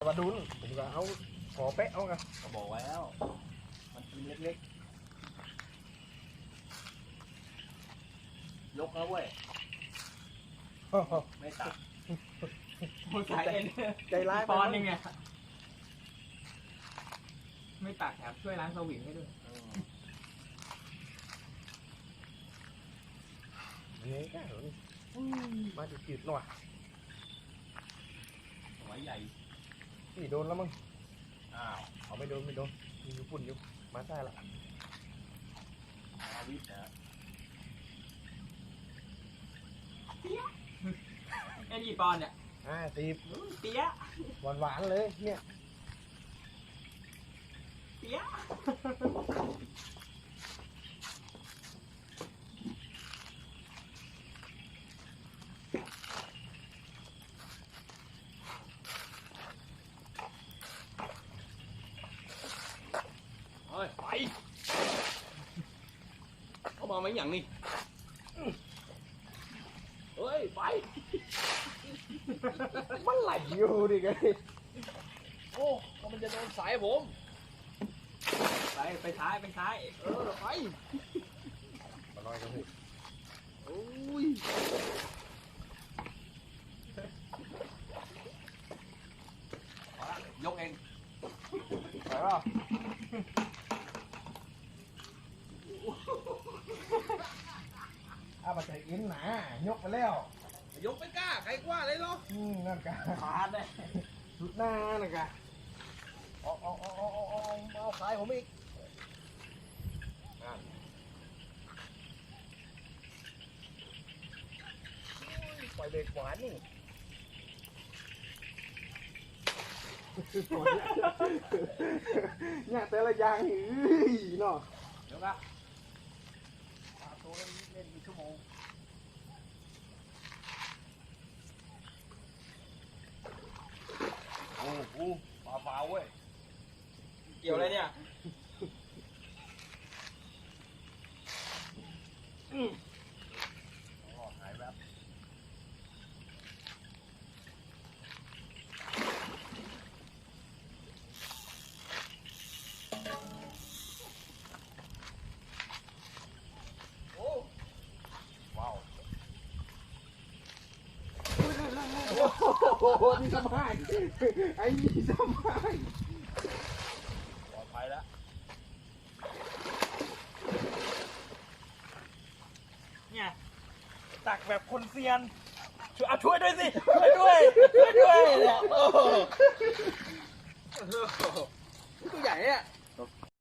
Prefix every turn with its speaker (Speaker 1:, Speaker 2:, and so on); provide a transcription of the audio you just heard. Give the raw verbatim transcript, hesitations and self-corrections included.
Speaker 1: มาดุนผมก็เอาขอเป๊ะเอาไง
Speaker 2: ก็บอกไว้แล้วมันกินเล็กๆยกแล้วเว้ยไม่ตัด
Speaker 3: หัวใจเอ็น
Speaker 1: ใจร้าย
Speaker 3: ปอนยังไงไม่ตักแถมช่วยล้างสวิงให้ด้วย
Speaker 1: นี่แค่เหรอมาจืดๆหน่อย
Speaker 2: หัวใหญ่
Speaker 1: นี่โดนแล้วมั้ง
Speaker 2: อ้าว
Speaker 1: เอาไม่โดนไม่โดนมีอยู่ปุ่นอยู่มาใช่ละ
Speaker 2: อาวิทย์นะ
Speaker 3: ไอ้นี่ปอนเนี่ย
Speaker 1: อ่าตีบ
Speaker 3: เตี้ย
Speaker 1: หวานหวานเลยเนี่ย
Speaker 3: เตี้ย
Speaker 2: เฮ้ยไปเขาบอกไม่อย่างนี้เฮ้ยไป
Speaker 1: มันไหลอยู่ดิไง
Speaker 2: โอ้ก็มันจะโดนสายผม
Speaker 3: ไปไปท้ายไปท้าย
Speaker 2: เออไป
Speaker 1: มาลอยกันสิ
Speaker 2: โอ้ยยกเอง
Speaker 1: ไปป่ะอ้าวมาใจอินหนายกไปแล้ว
Speaker 2: ยกไม่กล้าใครกว่าเลยเหรอ
Speaker 1: อืมนั่นกะ
Speaker 2: ขาดเลย
Speaker 1: สุดหน้านั่นกะเอาเอาเอาเอาเอาเอาเอาสายผมอีกปล่อยเบรกหวานนี่เนี่ยแต่ละอย่างเฮ้ยเนาะ
Speaker 2: เดี๋ยวนะตัวเล่นเล่นกี่ชั่วโมงโอ้โหปลาเปล่าเว้ย
Speaker 3: เกี่ยวอะไรเนี่ย
Speaker 2: อืมอ๋อหายแบบโอ้ว้าว
Speaker 1: โอ้โหนี่สบายไอ้นี่สบาย
Speaker 2: ปลอดภัยแล้ว
Speaker 3: เนี่ยตักแบบคนเซียนช่วยเอาช่วยด้วยสิช่วยด้วยช่วยด้วยเนี่ย
Speaker 2: ตัวใหญ่เนี่ย